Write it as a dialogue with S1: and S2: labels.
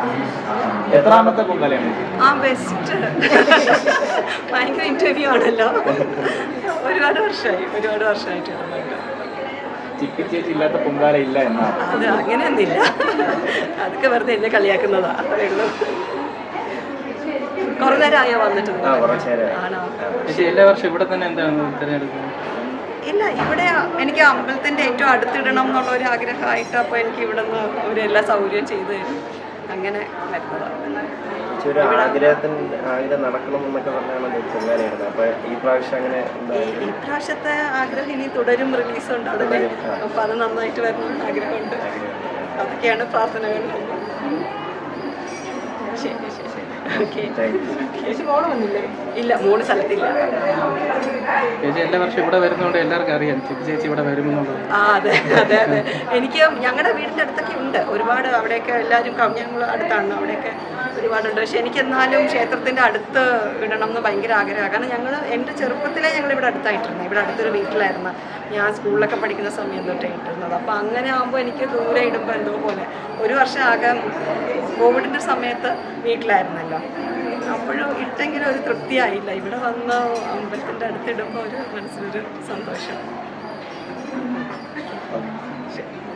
S1: എത്രാമത്തെ പൊങ്കാലയാണ്?
S2: ബെസ്റ്റ്. ഭയങ്കര ഇന്റർവ്യൂ ആണല്ലോ. ഒരുപാട് വർഷമായിട്ട് ഇടുന്നുണ്ട്.
S1: ചിപ്പി ചേച്ചി ഇല്ലാത്ത പൊങ്കാല ഇല്ല എന്നാണ്.
S2: അത് അങ്ങനെയൊന്നുമില്ല, അതൊക്കെ വെറുതെ എന്നെ കളിയാക്കുന്നതാ, അത്രേ ഉള്ളൂ. കുറെ നേരമായോ വന്നിട്ട്? ആണോ?
S3: എല്ലാ വർഷവും ഇവിടെ തന്നെ എന്താണ് തിരഞ്ഞെടുക്കുന്നത്?
S2: ഇല്ല, ഇവിടെ എനിക്ക് അമ്പലത്തിൻ്റെ ഏറ്റവും അടുത്തിടണം എന്നുള്ള ഒരു ആഗ്രഹമായിട്ട്, അപ്പോൾ എനിക്ക് ഇവിടെ നിന്ന് അവരെല്ലാ സൗകര്യം ചെയ്തു തരും, അങ്ങനെ വരുന്നതാണ്. ഈ പ്രാവശ്യത്തെ ആഗ്രഹം ഇനി തുടരും, റിലീസ് ഉണ്ടാവില്ലേ, അപ്പോൾ അത് നന്നായിട്ട് വരണം ആഗ്രഹമുണ്ട്. അതൊക്കെയാണ് പ്രാർത്ഥനകൾ. ശരി ശരി ശരി, ഓക്കെ. ഇല്ല, 3 സ്ഥലത്തില്ല.
S3: ചേച്ചി എല്ലാ വർഷവും ഇവിടെ വരുന്നതുകൊണ്ട് എല്ലാവർക്കും അറിയാം ചിപ്പി ചേച്ചി ഇവിടെ വരുമെന്നുള്ളത്.
S2: അതെ അതെ അതെ, എനിക്ക് ഞങ്ങളുടെ വീടിൻ്റെ അടുത്തൊക്കെ ഉണ്ട് ഒരുപാട്, അവിടെയൊക്കെ എല്ലാവരും ഞങ്ങൾ അടുത്താണ്, അവിടെയൊക്കെ ഒരുപാടുണ്ട്. പക്ഷെ എനിക്ക് എന്നാലും ക്ഷേത്രത്തിൻ്റെ അടുത്ത് ഇടണം എന്ന് ഭയങ്കര ആഗ്രഹമാണ്. കാരണം ഞങ്ങൾ എൻ്റെ ചെറുപ്പത്തിലേ ഞങ്ങളിവിടെ അടുത്തായിട്ടിരുന്നത്, ഇവിടെ അടുത്തൊരു വീട്ടിലായിരുന്നു ഞാൻ സ്കൂളിലൊക്കെ പഠിക്കുന്ന സമയം തൊട്ടേ ഇട്ടിരുന്നത്. അപ്പോൾ അങ്ങനെ ആകുമ്പോൾ എനിക്ക് ദൂരെ ഇടുമ്പോൾ എന്തോ പോലെ. ഒരു വർഷം ആകെ കോവിഡിൻ്റെ സമയത്ത് വീട്ടിലായിരുന്നല്ലോ, അപ്പോഴും ഇട്ടെങ്കിലും ഒരു തൃപ്തിയായില്ല. ഇവിടെ വന്ന് അമ്പലത്തിൻ്റെ അടുത്തിടുമ്പോൾ ഒരു മനസ്സിലൊരു സന്തോഷം. ശരി.